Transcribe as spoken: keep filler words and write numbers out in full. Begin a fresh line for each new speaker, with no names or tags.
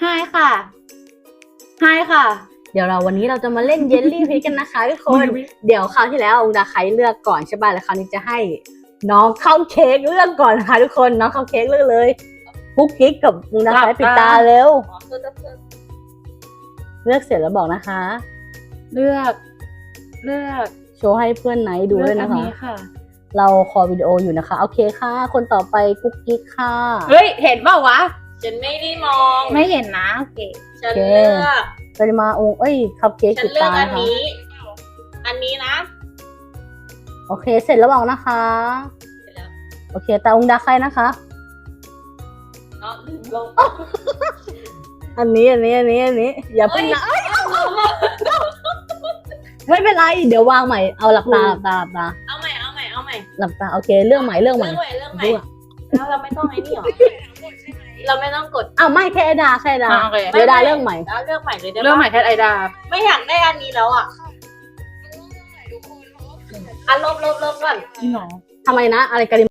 ไฮค่ะไฮค่ะ เดี๋ยวเราวันนี้เราจะมาเล่นเยลลี่พีกันนะคะทุกคน เดี๋ยวคราวที่แล้วองดาไคเลือกก่อนใช่ป่ะแล้วคราวนี้จะให้น้องข้าวเค้กเลือกก่อนนะคะทุกคนน้องข้าวเค้กเลือกเลยกุ๊กกิ๊กกับองดาไคปิดตาเร็วเลือกเสร็จแล้วบอกนะคะ
เลือกเลือก
โชว์ให้เพื่อนไหนดูด้วยนะคะ
เลือกอัค่ะ
เราคอวิดีโออยู่นะคะโอเคค่ะ คนต่อไปกุ๊กกิ๊กค่ะ
เฮ้ยเห็นเปล่าวะ
ฉันไม่ได้มอง
ไม่เห็นนะโอเค
ฉันเลือก
ปริมาองเอ้ยคัพเค้ก
ฉั
ปิ
น
ด
เลือ
ตาก
อัน
นะคะ
นี้ อันนี้นะ
โอเคเสร็จแล้วบอกนะคะ
เสร็จแล้ว
โอเคแต่องดาไคนะคะ
เนาะลืมลง
อันนี้อันนี้อันนี้อันนี้อย่าเพิ่งนะ ไม่เป็นไรเดี๋ยววางใหม่เอาหลับตาหลับตาหลับตา
เอาใหม่เอาใหม่เอาใหม่
หลับตาโอเคเรื่องใหม่เรื่องใหม่
เรื่องใหม่เรื่องใหม่
เรื่อง
แล้วเราไม่ต้องไอ้นี่หรอเราไม่ต้องกด
อ้าวไม่แค่ไอดาแค่ไอดา
อ่ะโอเค
เดี๋ยวดาเรื่องใหม่
แล้วเรื่องใหม่เลยได้ปะ
เรื่องใหม่แคทไอดา
ไม่อยากได้อันนี้แล้วอ่ะอันลบลบลบก่อน
จริงเหรอ
ทำไมนะอะไรกัน